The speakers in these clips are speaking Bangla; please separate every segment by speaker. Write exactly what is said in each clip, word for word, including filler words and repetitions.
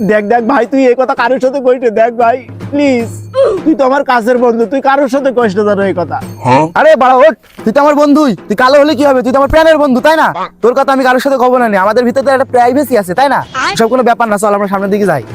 Speaker 1: দেখ দেখ ভাই, তুই এই কথা কারোর সাথে কইস না, দেখ ভাই প্লিজ, তুই তো আমার কাছের বন্ধু, তুই কারোর সাথে কইস না জানো এই কথা।
Speaker 2: আরে বাড়া ওঠ, তুই তো আমার বন্ধুই, তুই কালো হলে কি হবে, তুই তো আমার প্রাণের বন্ধু তাই না? তোর কথা আমি কারোর সাথে কব না, নি আমাদের ভিতরে তো একটা প্রাইভেসি আছে তাই না? সব কোনো ব্যাপার না, চল আমরা সামনের দিকে যাই।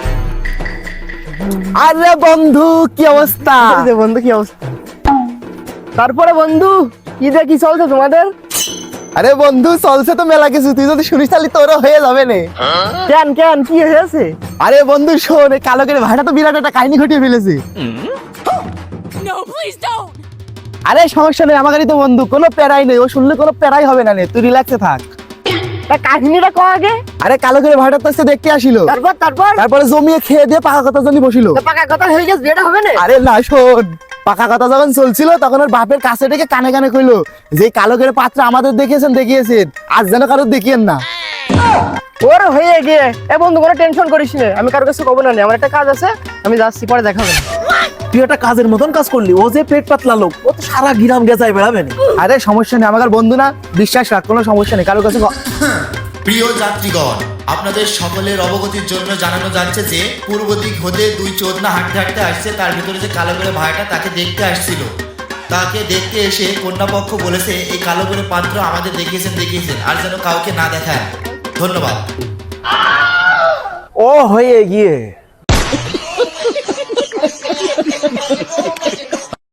Speaker 2: আরে বন্ধু কি অবস্থা?
Speaker 1: এই যে বন্ধু কি অবস্থা?
Speaker 2: তারপরে বন্ধু কি যে কি চলছে তোমাদের? আরে বন্ধু চলছে তো মেলা কিছু, তুই যদি শুনিস তাহলে তোরও হয়ে যাবে নে।
Speaker 1: কেন কেন কি হয়েছে?
Speaker 2: আরে বন্ধু শোন, এই কালো করে ভাইটা তো বিরাট একটা কাহিনী ঘটিয়ে ফেলেছে।
Speaker 3: No, please don't.
Speaker 2: আরে সমস্যা নেই, আমাদেরই তো বন্ধু, কোনো প্যারাই নেই, ও শুনলে কোনো প্যারাই হবে না নে, তুই রিল্যাক্সে থাক।
Speaker 1: তা কাহিনীটা কও আগে।
Speaker 2: আরে কালো করে ভাইটা তো এসে দেখতে আসিল,
Speaker 1: তারপর তারপর
Speaker 2: তারপরে জমিয়ে খেয়ে দিয়ে পাকা কথা জন্য বসিল।
Speaker 1: তো পাকা কথা হয়ে গেছে, বিয়েটা হবে না?
Speaker 2: আরে না শোন, পাকা কথা যখন চলছিল তখন ওর বাপের কাছে ডেকে কানে কানে কইলো যে কালো করে পাত্র আমাদের দেখিয়েছেন দেখিয়েছেন, আজ যেন কারো দেখিয়েন না।
Speaker 1: ওর হয়ে গিয়ে এ বন্ধু কোনো টেনশন করিস না, আমি কারো কাছে কব না, আমার একটা কাজ আছে, আমি যাচ্ছি, পরে দেখা হবে।
Speaker 4: তুই একটা কাজের মতন কাজ করলি, ও যে পেট পাতলা লোক, ও তো সারা গ্রাম গেজায় বেড়াবে না।
Speaker 2: আরে সমস্যা নেই, আমার বন্ধু না, বিশ্বাস রাখ, কোনো সমস্যা নেই, কারোর কাছে ক-
Speaker 5: প্রিয় যাত্রীগণ, আপনাদের সকলের অবগতির জন্য জানানো যাচ্ছে যে পূর্ব দিক হতে দুই চোদনা হাঁটতে হাঁটতে আসছে, তার ভিতরে যে কালো করে ভাইটা তাকে দেখতে আসছিল, তাকে দেখতে এসে কন্যাপক্ষ বলেছে এই কালো করে পাত্র আমাদের দেখিয়েছেন দেখিয়েছেন আর যেন কাউকে না দেখায়। ধন্যবাদ।
Speaker 4: ও হয়ে গিয়ে